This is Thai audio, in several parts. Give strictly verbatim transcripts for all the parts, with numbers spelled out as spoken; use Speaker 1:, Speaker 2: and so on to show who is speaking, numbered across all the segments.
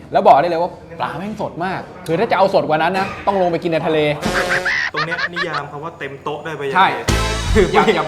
Speaker 1: แล้วบอกได้เลยว่าปลาแม่งสดมากคือถ้าจะเอาสดกว่านั้นนะต้องลงไปกินในทะเล
Speaker 2: ตรงเนี้ยนิยามคำว่าเต็มโต๊ะได้ไปยังไง
Speaker 1: ใช่อยากอยาก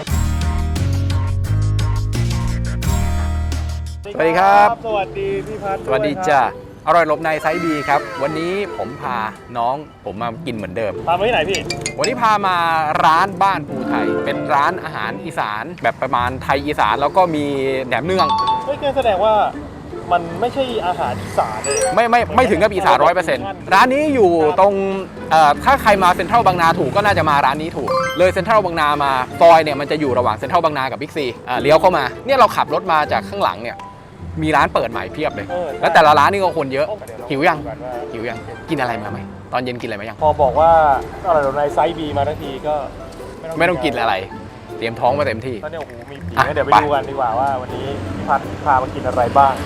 Speaker 1: สวัสดีครับ
Speaker 2: สวัสดีพี่พัฒน์
Speaker 1: สวัสดีจ้าอร่อยลบในไซส์บีครับวันนี้ผมพาน้องผมมากินเหมือนเดิม
Speaker 2: พามาที่ไหนพี่
Speaker 1: วันนี้พามาร้านบ้านภูไทยเป็นร้านอาหารอีสานแบบประมาณไทยอีสานแล้วก็มีแหนมเนือง
Speaker 2: เฮ้ยแสดงว่ามันไม่ใช่อาหารอีสานเลย
Speaker 1: ไม่ไม่ไม่ถึงกับอีสานร้อยเปอร์เซ็นต์ร้านนี้อยู่ตรงถ้าใครมาเซ็นทรัลบางนาถูกก็น่าจะมาร้านนี้ถูกเลยเซ็นทรัลบางนามาซอยเนี่ยมันจะอยู่ระหว่างเซ็นทรัลบางนากับบิ๊กซีเลี้ยวเข้ามาเนี่ยเราขับรถมาจากข้างหลังเนี่ยมีร้านเปิดใหม่เพียบเลยแล้วแต่ละร้านนี่ก็คนเยอะหิวยังหิวยังกินอะไรมาไหมตอนเย็นกินอะไรมายัง
Speaker 2: พอบอกว่าอะไรในไซส์บีมาทั้งทีก็
Speaker 1: ไม่ต้องกินอะไรเตรียมท้องมาเต็มที่
Speaker 2: ตอนนี้โอ้โหมีผีเดี๋ยวไปดูกันดีกว่าว่าวันนี้พี่พัฒน์พามากินอะไรบ้าง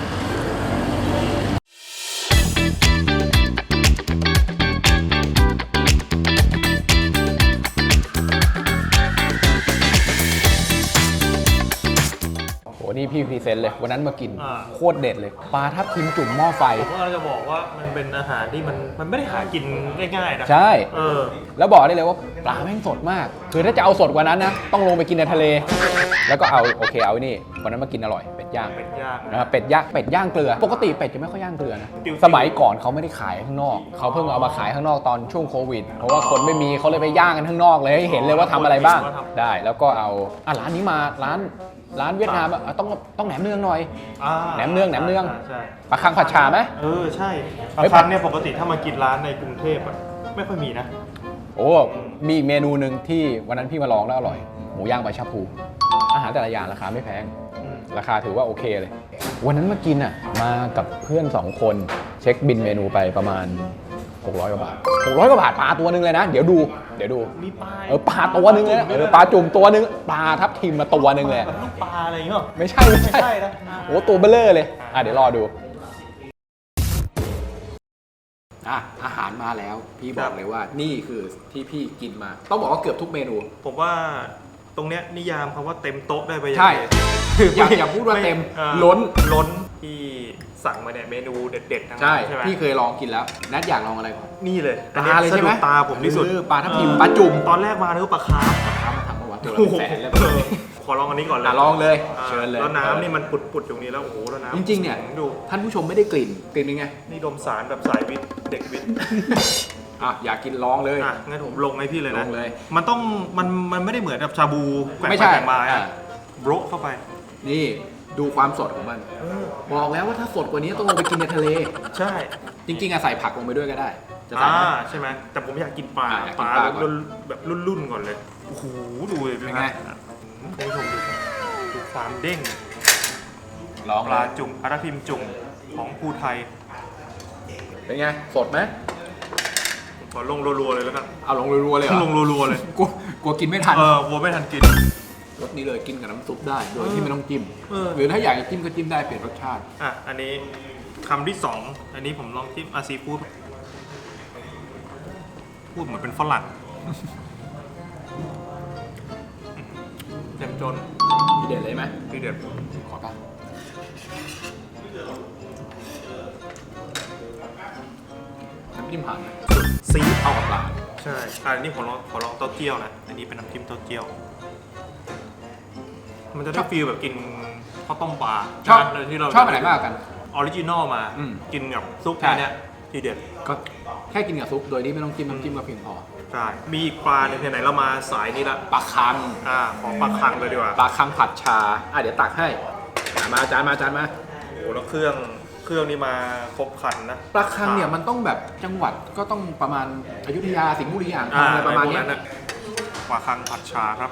Speaker 1: นี่พี่พรีเซนต์เลยวันนั้นมากินโคตรเด็ดเลยปลาทับทิมจุ่มหม้อไฟ
Speaker 2: ผมก็จะบอกว่ามันเป็นอาหารที่มันมันไม่ได้หากินง่ายๆนะ
Speaker 1: ใช่
Speaker 2: เออ
Speaker 1: แล้วบอกได้เลยว่าปลาแม่งสดมากคือถ้าจะเอาสดกว่านั้นนะต้องลงไปกินในทะเลแล้วก็เอาโอเคเอานี่วันนั้นมากินอร่อยเป็ดย่าง
Speaker 2: เป็ดย่าง
Speaker 1: นะครับเป็ดย่างเป็ดย่างเกลือปกติเป็ดจะไม่ค่อยย่างเกลือนะสมัยก่อนเขาไม่ได้ขายข้างนอกเขาเพิ่งเอามาขายข้างนอกตอนช่วงโควิดเพราะว่าคนไม่มีเขาเลยไปย่างกันข้างนอกเลยให้เห็นเลยว่าทำอะไรบ้างได้แล้วก็เอาอ่ะร้านนี้มาร้านร้านเวียดนามต้องต้องแหนมเนืองหน่อยแหนมเนืองแหนมเนืองปลาคังผัดชาไหม
Speaker 2: เออใช่ปลาคังเนี่ยปกติถ้ามากินร้านในกรุงเทพอ่ะไม่ค่อยมีนะ
Speaker 1: โอ้มีเมนูหนึ่งที่วันนั้นพี่มาลองแล้วอร่อยหมูย่างใบชะพูอาหารแต่ละอย่างราคาไม่แพงราคาถือว่าโอเคเลยวันนั้นมากินอ่ะมากับเพื่อนสองคนเช็คบินเมนูไปประมาณหกร้อยกว่าบาทหกร้อยกว่าบาทปลาตัวนึงเลยนะเดี๋ยวดูเดี๋ยวดู
Speaker 2: มีปลา
Speaker 1: เออปลาตัวนึงเลยนะเออปลาจุ่มตัวนึงปลาทับทิมมาตัวนึงเลย
Speaker 2: ลูกปลาอะไรอย่างเงี้ย
Speaker 1: ไม่ใช่ไม่ใช่นะโอ้ตัวเบลเลอร์เลยอ่ะเดี๋ยวรอดูอ่ะอาหารมาแล้วพี่บอกเลยว่านี่คือที่พี่กินมาต้องบอกว่าเกือบทุกเมนู
Speaker 2: ผมว่าตรงเนี้ยนิยามคำว่าเต็มโต๊ะได้ไปยังไง
Speaker 1: ใช่อย่าอย่าพูดว่าเต็มล้น
Speaker 2: ล้นที่สั่งมาเนี่ยเมนูเด็ดๆทั้ง
Speaker 1: นั้นใช่ไหมพี่เคยลองกินแล้วนัดอยากลองอะไรก่อน
Speaker 2: นี่เลย
Speaker 1: ปลาเลยใช่ไหม
Speaker 2: ตาผมที่สุด
Speaker 1: ปลาทับทิมปลาจุ่ม
Speaker 2: ตอนแรกมาเนื้อปลาคาร์ฟ
Speaker 1: ปลาคาร์ฟมาทำมาวัดตัวละแสนแล้ว
Speaker 2: ขอลองอันนี้ก่อนเลย
Speaker 1: ลองเลยเชิญเลย
Speaker 2: แล้วน้ำนี่มันปุดๆอยู่นี้แล้วโอ้โหแล้วน้ำ
Speaker 1: จริงๆเนี่ย
Speaker 2: ดู
Speaker 1: ท่านผู้ชมไม่ได้กลิ่นกลิ่นยังไง
Speaker 2: นี่ดมสารแบบสายวิทย์เด็กวิทย์
Speaker 1: อ่ะอยากกินลองเลย
Speaker 2: อ่ะงั้นผมลงให้พี่เลยนะ
Speaker 1: ลงเลย
Speaker 2: มันต้องมันมันไม่ได้เหมือนกับชาบูแกว่งไปแกว่งมาอ่ะโบรเข้าไป
Speaker 1: นี่ดูความสดของมันบอกแล้วว่าถ้าสดกว่านี้ต้องลงไปกินในทะเล
Speaker 2: ใช่
Speaker 1: จริงๆอะใส่ผักลงไปด้วยก็ได้
Speaker 2: จะใส่ใช่ไหมแต่ผมอยากกินปลาปลาแบบรุ่นๆก่อนเลยโอ้โหดูเลยเป็นไงคุณผู้ชมดูดูความเด้ง
Speaker 1: ลอง
Speaker 2: ปลาจุ่มปลาทับทิมจุ่มของภูไทย
Speaker 1: เป็นไงสดไหม
Speaker 2: ขอลงรัวๆเลยแล้วกัน
Speaker 1: เอาลงรัวๆเลย
Speaker 2: ลงรัวๆเลย
Speaker 1: กลัวกลัวกินไม่ทัน
Speaker 2: เออกลัวไม่ทันกิน
Speaker 1: รสนี้เลยกินกับน้ำซุปได้โดยที่ไม่ต้องจิ้มหรือถ้าอยากจะจิ้มก็จิ้มได้เปลี่ยนรสชาติ
Speaker 2: อ่ะอันนี้คำที่สองอันนี้ผมลองจิ้มอาซีฟู้ดพูดเหมือนเป็นฝรั่งเต็มจน
Speaker 1: พี่เด็ดเลยไหม
Speaker 2: พี่เด็ด
Speaker 1: ขอป่ะน้ำจิ้มผ่าน
Speaker 2: ซี
Speaker 1: เข้ากับปลา
Speaker 2: ใช่อันนี้ขอลองขอลองเต้าเจี้ยวนะอันนี้เป็นน้ำจิ้มเต้าเจี้ยวมันจะได้ฟีลแบบกินข้าวต้มปลา
Speaker 1: ชอบที่เราชอบอะไรมากกัน
Speaker 2: ออริจินอลมากินกับซุปเนี่ยทีเด็ด
Speaker 1: ก็แค่กินกับซุปโดยที่ไม่ต้องจิ้มน้ำจิ้มก็เพียงพอ
Speaker 2: ใช่มีอีกปลาหนึ่งที่ไหนเรามาสายนี้ละ
Speaker 1: ปลาคัง
Speaker 2: อ่าของปลาคังเลยดีกว่า
Speaker 1: ปลาคังผัดชาอ่ะเดี๋ยวตักให้มาจานมาจานมา
Speaker 2: โอ้แล้วเครื่องเครื่องนี้มาครบครันนะ
Speaker 1: ปลาคังเนี่ยมันต้องแบบจังหวัดก็ต้องประมาณอยุธยาสิงห์บุรีอ่างทองอะไรประมาณนี้
Speaker 2: ปลาคังผัดชาครับ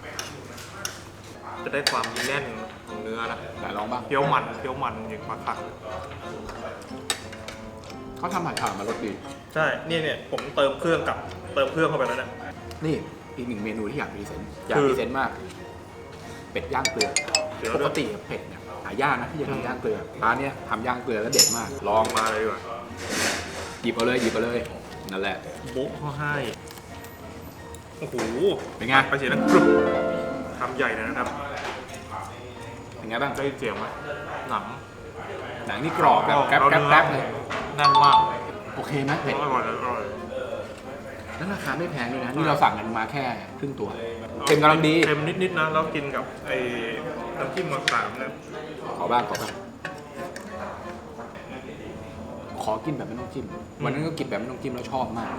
Speaker 2: จะได้ความแน่นของเนื้อนะ
Speaker 1: แต่ลองบ้าง
Speaker 2: เคี้ยวมันเคี้ยวมันอย่างปลาคัง
Speaker 1: เขาทำผัดฉ่ามารสดี
Speaker 2: ใช่เนี่ยเนี่ยผมเติมเครื่องกับเติมเครื่องเข้าไปแล้วนะ
Speaker 1: นี่อีกหนึ่งเมนูที่อยากพรีเซนต์อยากพรีเซนต์มากเป็ดย่างเกลือปกติเป็ดเนี่ยหายากนะที่จะทำย่างเกลือร้านเนี้ยทำย่างเกลือแล้วเด็ดมาก
Speaker 2: ลองมาเลยดีกว่า
Speaker 1: หยิบเอาเลยหยิบเอาเลยนั่นแหละ
Speaker 2: โบ๊ะเขาให้โอ้โห
Speaker 1: เป็นไง
Speaker 2: ไปเสียงนั้นกรุบทำใหญ่นะครับ
Speaker 1: เป็นไงบ้าง
Speaker 2: ได้เสียงไหมหนัง
Speaker 1: หนังนี่กรอบแบบแกรบแกรบเลย
Speaker 2: แน่นมาก
Speaker 1: โอเคไหมเผ็ด
Speaker 2: อร่อยอร่อย
Speaker 1: แล้วราคาไม่แพงด้วยนะนี่เราสั่งกันมาแค่ครึ่งตัวเค็มกำลังดี
Speaker 2: เค็มนิดๆนะแล้วกินกับไอ้น้ำจิ้มมะขามเนี่ย
Speaker 1: ขอบ้างขอบ้างขอกินแบบไม่ต้องจิ้มวันนั้นก็กินแบบไม่ต้องจิ้มแล้วชอบมาก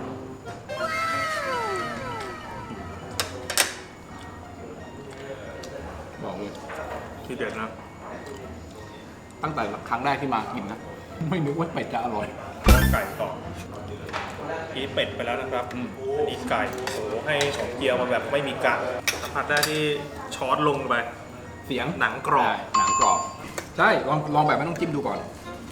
Speaker 1: บอกเลย
Speaker 2: ทีเด็ดนะ
Speaker 1: ตั้งแต่ครั้งแรกที่มากินนะ ไม่นึกว่าเป็ดจะอร่อย
Speaker 2: ไก่ต่อกีเป็ดไปแล้วนะครับ
Speaker 1: อืม
Speaker 2: อันนี้ไก่โอ้โหให้ของเกียวมาแบบไม่มีกากสัมผัสได้ที่ช้อนลงไป
Speaker 1: เสียง
Speaker 2: หนังกรอบ
Speaker 1: ใช่หนังกรอบใช่ลองลองแบบไม่ต้องจิ้มดูก่อน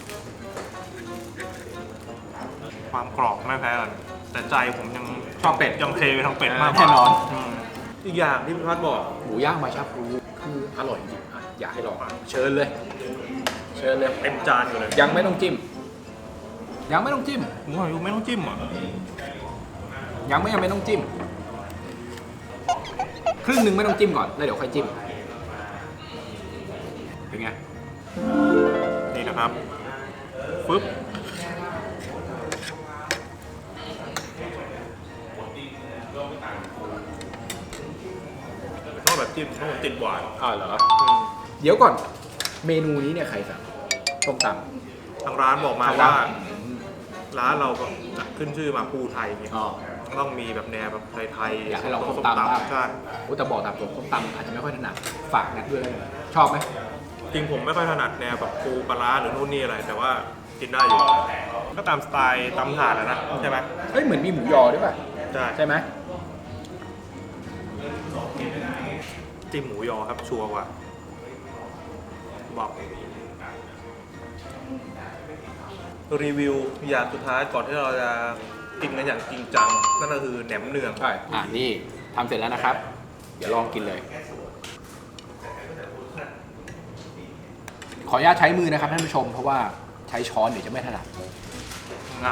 Speaker 2: ความกรอบไม่แพ้กันแต่ใจผมยัง
Speaker 1: ชอบเป็ด
Speaker 2: ยังเทไปทางเป็ดมากก
Speaker 1: แน่
Speaker 2: ว่าน
Speaker 1: อน
Speaker 2: มอีกอย่างที่พี่พัดบอก
Speaker 1: หมูย่างมาชาพลูคืออร่อยจริงอ่ะอยากให้ลองเชิญเลย เชิญเลย
Speaker 2: เต็มจานอยู่เลย
Speaker 1: ยังไม่ต้องจิ้ม ยังไม่ต้องจิ้ม
Speaker 2: ผมว่าไม่ต้องจิ้มอ่ะ
Speaker 1: ยังไม่ยังไม่ต้องจิ้ม ครึ่งหนึ่งไม่ต้องจิ้มก่อนแล้วเดี๋ยวค่อยจิ้ม เป็นไง
Speaker 2: นี่นะครับฟึบชอบแบบจิ้มชอบแบบติดหวาน
Speaker 1: อ่าเหรอ
Speaker 2: อืม
Speaker 1: เดี๋ยวก่อน เมนูนี้เนี่ยใครสั่งต้มตำ
Speaker 2: ทางร้านบอกมา
Speaker 1: ทาง
Speaker 2: ว่า
Speaker 1: ร้าน
Speaker 2: ร้านเราแบบขึ้นชื่อมาปูไทยเนี่ย
Speaker 1: อ๋อ
Speaker 2: ต้องมีแบบแนวแบบไทยๆ
Speaker 1: อยากให้เรา
Speaker 2: ส้
Speaker 1: ต้
Speaker 2: ม
Speaker 1: มตำบ้าง
Speaker 2: ใช่
Speaker 1: โอ้แต่บอกตามตรงต้มตำอาจจะไม่ค่อยถนัดฝากนัดด้วยแล้วกันชอบไหม
Speaker 2: จริงผมไม่ค่อยถนัดแนวแบบปูปลาร้าหรือนู่นนี่อะไร แต่ว่ากินได้อยู่ ก็ตามสไตล์ตำถาดแล้วนะใช่ไหม
Speaker 1: เฮ้ยเหมือนมีหมูยอด้วยป่ะ
Speaker 2: ใช่
Speaker 1: ใช่ไหม
Speaker 2: จิ้มหมูยอครับชัวร์กว่าบอกรีวิวอย่างสุดท้ายก่อนที่เราจะกินกันอย่างจริงจังนั่นก็คือแหนมเนือง
Speaker 1: ใช่อ่านี่ทำเสร็จแล้วนะครับ เดี๋ยวลองกินเลย ขออนุญาตใช้มือนะครับท่านผู้ชม เพราะว่าใช้ช้อนเดี๋ยวจะไม่ถนัด
Speaker 2: งับ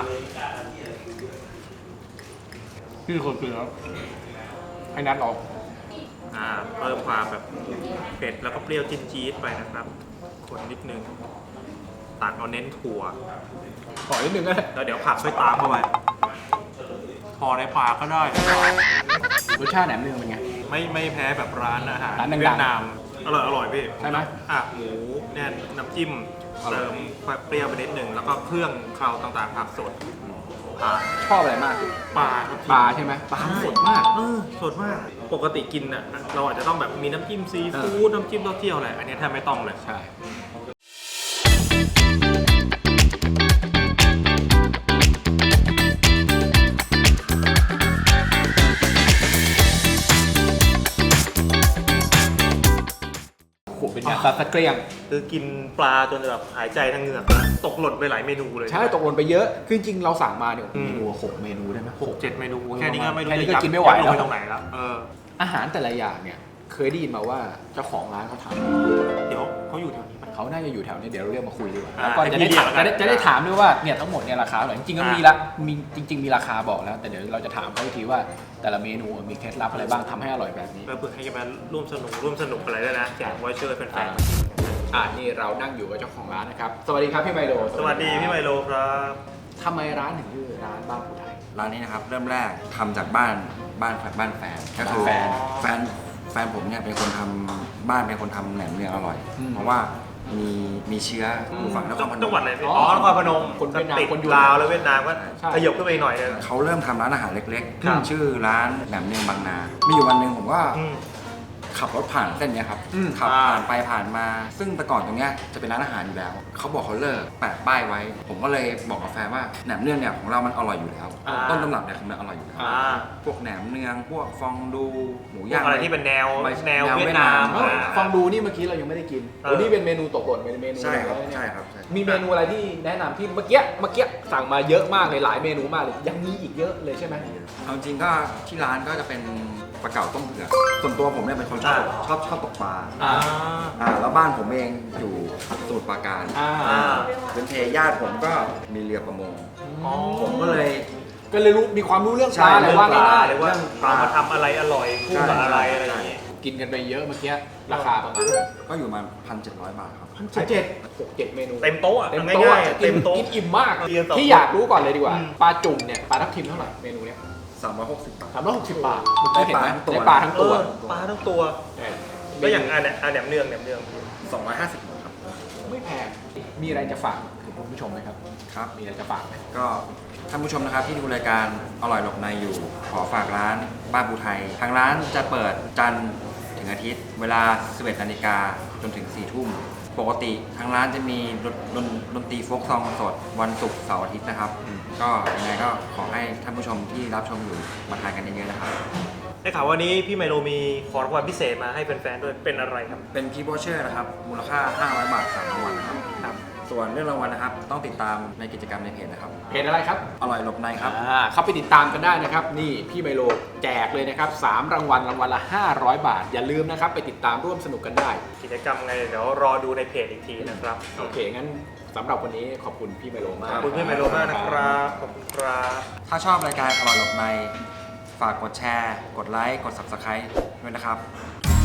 Speaker 1: พี่คนกินแล้วให้นัดลอง
Speaker 2: อ่าเพิ่มความแบบเผ็ดแล้วก็เปรี้ยวจี๊ดจี๊ดไปนะครับ คนนิดนึงตัดเอาเน้นถั่ว
Speaker 1: ขอนิดนึงก็ได้
Speaker 2: แล้วเดี๋ยวผักค่อยตามเข้าไปพอในปากก็ได้
Speaker 1: รสชาติแหนมเนืองเป็นไง
Speaker 2: ไม่ไม่แพ้แบบร้านอาหาร
Speaker 1: ร้านดังๆ
Speaker 2: เวียดนามอร่อยอร่อยพี่
Speaker 1: ใช่ไหม
Speaker 2: อ่ะหมูแน่นน้ำจิ้ม
Speaker 1: อร่อย
Speaker 2: เติมเปรี้ยวไปนิดนึงแล้วก็เครื่องเคราต่างๆผักสดอ่า
Speaker 1: ชอบอะไรมาก
Speaker 2: ปลาครับ
Speaker 1: ปลาใช่ไหมปลาสดมาก
Speaker 2: เออสดมาก ปกติกินอ่ะเราอาจจะต้องแบบมีน้ำจิ้มซีฟู้ดน้ำจิ้มเต้าเจี้ยวอะไรอันนี้แทบไม่ต้องเลย
Speaker 1: ใช่ โอ้โหเป็นไงซัดสะเกรียง
Speaker 2: คือกินปลาจนแบบหายใจทางเหงือกนะตกหล่นไปหลายเมนูเลย
Speaker 1: ใช่ตกหล่นไปเยอะ คือจริงๆเราสั่งมาเนี่ย
Speaker 2: อืม
Speaker 1: เมนูหกเมนูได้ไหม
Speaker 2: หกเจ็ดเมนูแค่นี้ก็ไม่รู้
Speaker 1: แค่นี้ก็
Speaker 2: จะยัด
Speaker 1: กินไม่ไหว
Speaker 2: ยัดลง
Speaker 1: แล้ว
Speaker 2: ไปตรงไหนแล้วเออ
Speaker 1: อาหารแต่ละอย่างเนี่ย เคยได้ยินมาว่าเจ้าของร้านเขาท
Speaker 2: เดี๋ยวเขาอยู่แถวนี้ปะ
Speaker 1: ำเขาน่าจะอยู่แถวนี้เดี๋ยวเราเรียกมาคุยดีกว่า
Speaker 2: อ่า
Speaker 1: แล้วก็จะได้
Speaker 2: ให้พี่
Speaker 1: ถาม
Speaker 2: เรียกแล้วกั
Speaker 1: จะ
Speaker 2: น
Speaker 1: ได้จะได้ถามด้วยว่าเนี่ยทั้งหมดเนี่ยราคาเท่าไหร่จริงๆก็
Speaker 2: อ่ามี
Speaker 1: มีละมีจริง ๆ มีราคาบอกแล้ว แต่เดี๋ยวเราจะถามเขาอีกทีว่า แต่ละเมนูมีเคล็ดลับอะไรบ้างทำให้อร่อยแบบนี้
Speaker 2: แล้วเพื่อให้มาร่วมสนุกร่วมสนุกอะไรด้วยนะแจกไวเชอร์แฟน
Speaker 1: อ่านี่เรานั่งอยู่กับเจ้าของร้านนะครับ สวัสดีครับพี่ไมโล
Speaker 2: ๆสวัสดีพี่ไมโลครับ
Speaker 1: ทำไมร้านถึงชื่อร้านบ้านผู้ไทย
Speaker 3: ร้านนี้นะครับเริ่มแรกทำจากบ้านบ้านบ้านแฟนก็คือ
Speaker 1: แฟน
Speaker 3: แฟนแฟนผมเนี่ยเป็นคนทำบ้านเป็นคนทำแหนมเนืองอร่อย
Speaker 1: อืม
Speaker 3: เพราะว่ามีมีเชื้ออยู่ฝั่งนครพน
Speaker 2: จังหวัด
Speaker 3: ม
Speaker 2: อะไรพี่
Speaker 1: อ๋
Speaker 2: อ๋
Speaker 1: อ
Speaker 2: อนครพนม
Speaker 1: คนเวียดนาม
Speaker 2: ติด
Speaker 1: คนอยู่
Speaker 2: ลาวแล้วเวียดนามก็
Speaker 1: ใช่
Speaker 2: ขยบขึ้นไปอีกหน่อยนึง
Speaker 3: เขาเริ่มทำร้านอาหารเล็ก
Speaker 2: ครับ
Speaker 3: ๆ ชื่อร้านแหนมเนืองบางนา มีอยู่วันหนึ่งผมก็
Speaker 2: อืม
Speaker 3: ขับรถผ่านเส้นเนี้ยครับ
Speaker 1: อืม
Speaker 3: ขับ
Speaker 2: อ่า
Speaker 3: ผ่านไปผ่านมา ซึ่งแต่ก่อนตรงเนี้ยจะเป็นร้านอาหารอยู่แล้ว เขาบอกเขาเลิกแปะป้ายไว้ ผมก็เลยบอกกับแฟนว่าแหนมเนืองเนี่ยของเรามันอร่อยอยู่แล้ว
Speaker 1: อ่า
Speaker 3: ต้นตำรับเนี่ยคือมันอร่อยอยู่แล้ว
Speaker 2: อ่า
Speaker 3: พวกแหนมเนืองพวกฟองดูหมู
Speaker 2: พว
Speaker 3: ย่าก ง
Speaker 2: อะไรที่เป็นแนว
Speaker 3: ไม่
Speaker 2: แนว
Speaker 3: แนว
Speaker 2: เวียดนาม
Speaker 3: เวียดนาม
Speaker 2: อ่า
Speaker 1: ฟังดูนี่เมื่อกี้เรายังไม่ได้กิน
Speaker 2: เออ
Speaker 1: วันนี้เป็นเมนูตกหล่นเป็นเมนู
Speaker 3: ใช่ครับ
Speaker 1: อะไเนี่ย
Speaker 3: ใช่ครับใช่
Speaker 1: มีเมนูอะไรที่แนะนำที่เมื่อกี้เมื่อกี้สั่งมาเยอะมากเลยหลายเมนูมากเลยยังมีอีกเยอะเลยใช่ไหม
Speaker 3: เอาจริงก็ที่ร้านก็จะเป็นปลาเก๋าต้มเผือกส่วนตัวผมเนี่ยเป็นคนชอบชอบชอบตกปลา
Speaker 1: อ่า
Speaker 3: อ่าแล้วบ้านผมเองอยู่สมุทรปราการ
Speaker 1: อ่า
Speaker 2: อ่า
Speaker 3: เป็นเทญาติผมก็มีเรือประมง
Speaker 2: อ๋อ
Speaker 3: ผมก็เลย
Speaker 1: ก็เลยรู้มีความรู้เรื่องป
Speaker 3: ใช่
Speaker 1: ลาเลยว่า
Speaker 2: ปลา
Speaker 1: ง่าย
Speaker 2: เลยว่าเอามาทำอะไรอร่อยคู่กับอะไรอะไรอย่างงี้
Speaker 1: ๆกินกันไปเยอะเมื่อกี้ราคาประมาณเท่าไหร่
Speaker 3: ก็อยู่มาพันเจ็ดร้อยบาทครับ
Speaker 2: พัน
Speaker 1: พัน
Speaker 2: เจ็
Speaker 1: เจ็
Speaker 2: ด
Speaker 1: ดหกเจ็ดเมนู
Speaker 2: เต็มโต๊ะอะ
Speaker 1: เต็มโต๊ะ
Speaker 2: ง่ายๆ
Speaker 1: กิ
Speaker 2: เต็
Speaker 1: น
Speaker 2: มโต๊ะ
Speaker 1: กินอิ่มมาก
Speaker 2: เรียนสอง
Speaker 1: ที่อยากรู้ก่อนเลยดีกว่า
Speaker 2: อืม
Speaker 1: ปลาจุ่มเนี่ยปลาทับทิมเท่าไหร่เมนูเนี้ย
Speaker 3: สามร้อยหกสิบบาท
Speaker 1: สามร้อยหกสิบบาท
Speaker 3: ได้
Speaker 1: เห็นไหม
Speaker 3: ปลาทั้งตัว
Speaker 1: ได้ปลาทั้งตัว
Speaker 2: เออปลาทั้งตัว
Speaker 1: เนี่ย
Speaker 2: แล้วอย่างอันเนี่ยอันแหนมเนืองแหนมเนือง
Speaker 3: สองร้อยห้าสิบบาทครับ
Speaker 1: ไม่แพงมีอะไรจะฝากถึงคุณผู้ชมไหมครับ
Speaker 3: ครับ
Speaker 1: มีอะไรจะฝากไหม
Speaker 3: ก็ท่านผู้ชมนะครับที่ดูรายการอร่อยหลบในอยู่ ขอฝากร้านบ้านบูไทย ทางร้านจะเปิดจันทร์ถึงอาทิตย์ เวลา สิบเอ็ดนาฬิกาจนถึง สี่ทุ่ม ปกติทางร้านจะมีดนดนดนตรีโฟล์กซองสดวันศุกร์เสาร์อาทิตย์นะครับ ก็ยังไงก็ขอให้ท่านผู้ชมที่รับชมอยู่มาทานกันเยอะๆนะครับ
Speaker 2: ได้ข่าววันนี้พี่ไมโลมีของรางวัลพิเศษมาให้แฟนๆด้วยเป็นอะไรครับ
Speaker 3: เป็นกิฟต์วอเชอร์นะครับ มูลค่า ห้าร้อยบาทสามรางวัลนะครับ
Speaker 2: ครับ
Speaker 3: ส่วนเรื่องรางวัลนะครับ ต้องติดตามในกิจกรรมในเพจนะครับ
Speaker 1: เพจอะไรครับ
Speaker 3: อร่อยหลบในครับ
Speaker 1: อ่าเข้าไปติดตามกันได้นะครับ นี่พี่ไมโลแจกเลยนะครับสามรางวัลรางวัลละห้าร้อยบาท อย่าลืมนะครับไปติดตามร่วมสนุกกันได้
Speaker 2: กิจกรรมไงเดี๋ยวรอดูในเพจอีกทีนะครับ
Speaker 1: โอเคงั้นสำหรับวันนี้ขอบคุณพี่ไมโลมาก
Speaker 2: ขอบคุณพี่ไมโลมากนะครับ ขอบคุณครับ
Speaker 3: ถ้าชอบรายการอร่อยหลบใน ฝากกดแชร์ กดไลค์ กด ซับสไครบ์ ด้วยนะครับ